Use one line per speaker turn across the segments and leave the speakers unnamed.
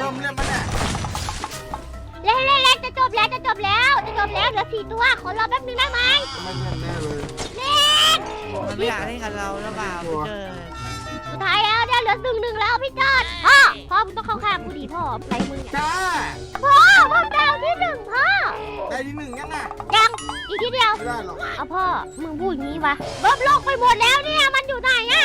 มเล่นมาเนี่ย
เล่นจะจบแล้วเหลือ4 ตัวขอรอแป๊บนึงได้ไหม
ไม่เล่นแน่เลย
เล่น
มันไม่อยากเล่นกับเราแล้วเปล่าพี่เจอ
สุดท้ายแล้วเนี่ยเหลือ1-1แล้วพี่จอดพ่อมึงต้องเข้าข้างกูดิพ่อใส่มือ
จ้า
พ่อดาวที่1พ่อ
ได้ที่1ยังอ่ะ
ยังอีกทีเดียว
ไม่ได้หรอก
เอาพ่อมึงพูดอย่างนี้วะเบิ้มโลกไปหมดแล้วเนี่ยมันอยู่ไหนอะ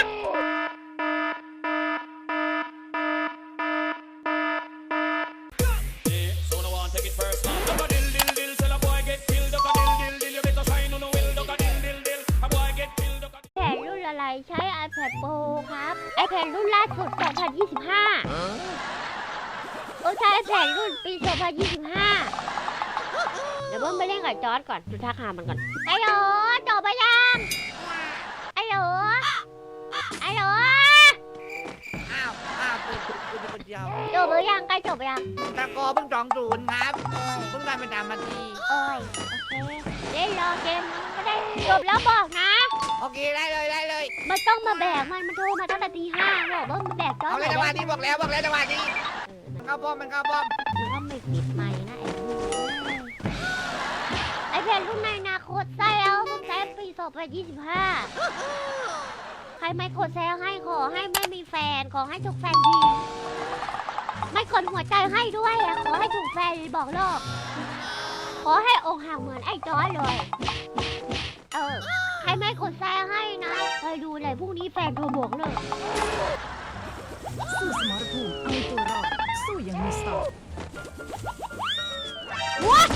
ใช้ iPad Pro ครับ iPad รุ่นล่าสุด 2025 ใช้ iPad รุ่นปี 2025 เดี๋ยวเบิ้มไปเล่นกับจอร์จก่อนดูท่าทางมันก่อนไอ้หรอจบไปยังไอ้หรอ
ปิดคนเดียว
จบไปยังใกล้จบไปยัง
ตะโกเพิ่ง2-0ครับเพิ่งได้เป็น3 นาที
โอเคเล่นรอเกมก็ได้จบแล้วบอกนะ
โอเคได้เลย
มันต้องมาแบกมันโทรมาตั้งแต่ตี 5บอกว่ามาแบกจอร์จ
เอาเลยจังหวะนี้บอกแล้วจังหวะนี้มันเข้าป้อม
มันก็ไม่ปิดไมค์นะไอ้เพลรุ่นในอนาคตใส่แล้วผมใช้ปี 2025 ใครไม่กดแซงให้ขอให้ไม่มีแฟนขอให้ถูกแฟนดีไม่กดหัวใจให้ด้วยขอให้ถูกแฟนบอกโลกขอให้อกหักเหมือนไอ้จอร์จเลยใครไม่กดแซงให้นะไปดูเลยพรุ่งนี้แฟนโทรบอกเลย
สู้สมรภูมิเอาตัวรอดสู้อย่างมีสติ
ว้า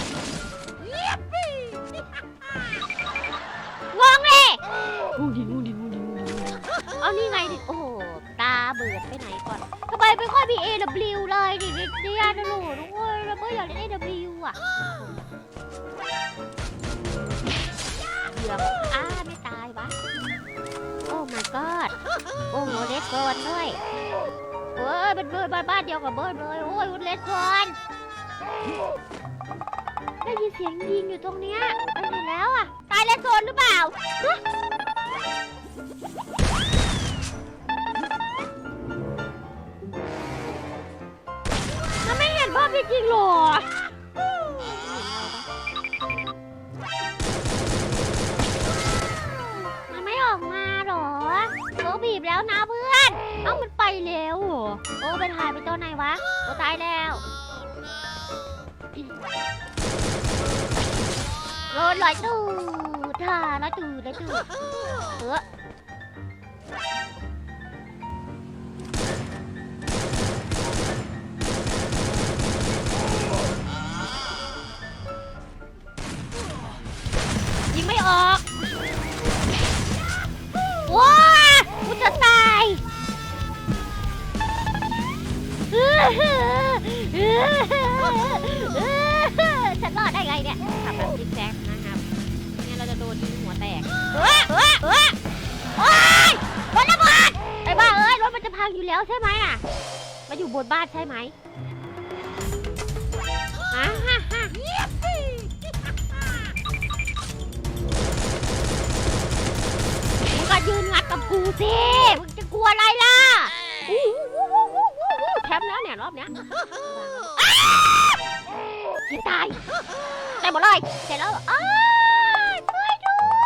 งงเลยงูดิเอานี่ไงดิโอ้โหตาเบิดไปไหนก่อนทำไมไม่ค่อยมี AW เลยดิเนี่ยนะลูกทุกคนเราไม่อยากเล่น AW อ่ะเหลือไม่ตายวะโอ้ my god โอ้โหเลสโกนด้วยเป็นเบิร์ดบ้านเดียวกับเบิร์ดเลยโอ้ยเลสโกนได้ยินเสียงยิงอยู่ตรงเนี้ยไปไหนแล้วอ่ะตายเลสโกนหรือเปล่ามันไม่เห็นภาพจริงๆหรอมันไม่ออกมาหรอบีบแล้วนะเพื่อนมันไปแล้วไปถ่ายไปตัวไหนวะตายแล้วโดนลอยตูดท่าลอยตูดยิงไม่ออกว้ากูจะตายฉันรอดได้ไงเนี่ยขับแบบซิกแซกนะครับงั้นเราจะโดนยิงหัวแตกโอ๊ยรถระเบิดไอ้บ้ารถมันจะพังอยู่แล้วใช่ไหมมาอยู่บนบ้านใช่ไหมมึงก็ยืนงัดกับกูสิมึงจะกลัวอะไรล่ะแคมป์แล้วเนี่ยรอบเนี้ยยังตายหมดเลยเสร็จแล้วช่วย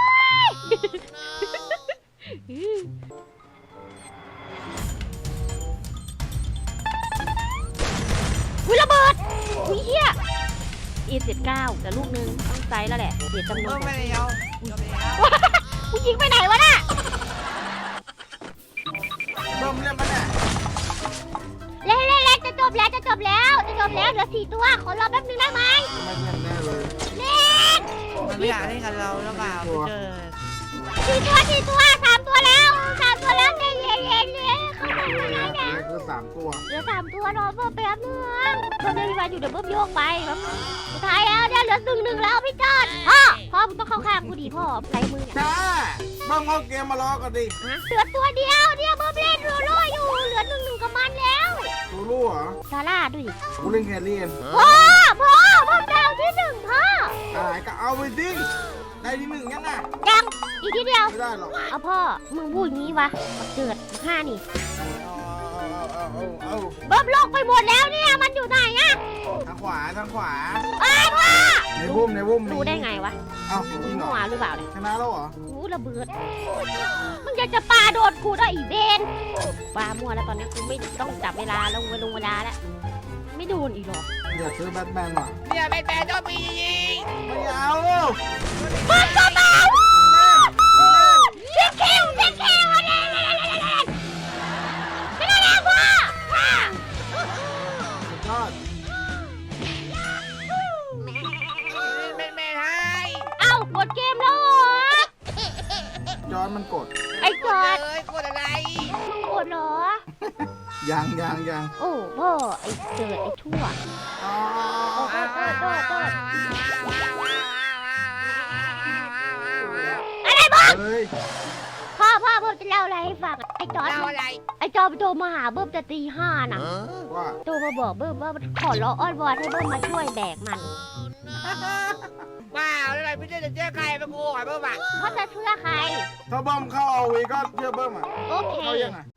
ด้วยระเบิดเฮียE19แต่ลูกนึงต้องไซส์แล้วแหละเสียจำนวน
ไม่เอา
กูยิงไปไหนวะน่ะ
เล่นมาเนี่ย
เล่นจะจบแล้วเหลือ4 ตัวขอรอแป๊บนึงได้ไหม
ไม่เล่นแน่เลย
เล่น
มันไม่อยากเล่นกับเราแล้วเปล่าพี่เจอ
4 ตัว3 ตัวแล้วเย็นเข้ามาแล้วเนี่ย
คือ3 ตัว
เหลือ3 ตัวรอเพิ่มแป๊บนึงเพิ่มได้เวลาอยู่เดี๋ยวเพิ่มโยกไปครับสุดท้ายแล้วเนี่ยเหลือ1-1แล้วพี่จอดพ่อมึงต้องเข้าข้างกูดิพ่อใส่มือเนี่ย
จ้าเบิ้มเข้าเกมมารอกันดิ
เหลือตัวเดียวเนี่ยเบิ้มเล่นรัวๆอยู่เหลือ1-1กับมันแล้ว
รู้เหรอ
ซาร่าด้วย
กูเล่นแครี่
พ่อเบิ้มดาวที่1พ่อ
ก็เอาไปดิได้ที่1ยัง
ยังอีกทีเดียว
ไม่ได้หรอก
เอาพ่อมึงพูดอย่างนี้วะเกิด5นี่เบิ้มโลกไปหมดแล้วเนี่ยมันอยู่
ขวาทางขวา
อ้าวพ่อ
ในบุ้มในบุ้ม
รู้ได้ไงวะ
เอ้าจริงเหร
มั่
อ
วหรือเปล่าเนี่ย
ชนะแล้วเหรอ
รู้ระเบิดมึงจะปาโดนกูได้อีเบนปามั่วแล้วตอนนี้กูไม่ต้องจับเวลาลงเวลาแล้วไม่โดนอีกหรอ
อยากซื้อแบทแมนว่ะ
เนี่ยแบทแมนต้องมียิง
ไม่เอา
มึงก็มา
เล่น
เช็คคิวเล่นไม่ได้แล้วพ่อ
สุดยอด
แบทแมนให้
เอ้ากดเกมแล้วเหรอ
จอนมันกด
ไอ้จอด
เลยกดอะไร
มึงกดเหรอ
ยัง
โอ้พ่อไอ้เจิดไอ้ชั่ว
อ๋อ
อะไรบ้าง
เฮ้ย
พ่อเบิ้มจะเล่าอะไรให้ฟังอะไอ้จอด
เอาอะไร
ไอ้จอดไปโทรมาหาเบิ้มจะตี 5น่ะ
ว่า
โทรมาบอกเบิ้มว่าขอร้องอ้อนวอนให้เบิ้มมาช่วยแบกมัน
ว้าวแล้วอะไรพี่เจ้จะเจอใครมากูหอยเพิ่มอ่ะ
เพราะจะเชื่อใคร
ถ้าบอมเข้าเอาวีก็เชื่อเบิ้มอ่ะ
โอเค
เข้ายังอ่ะ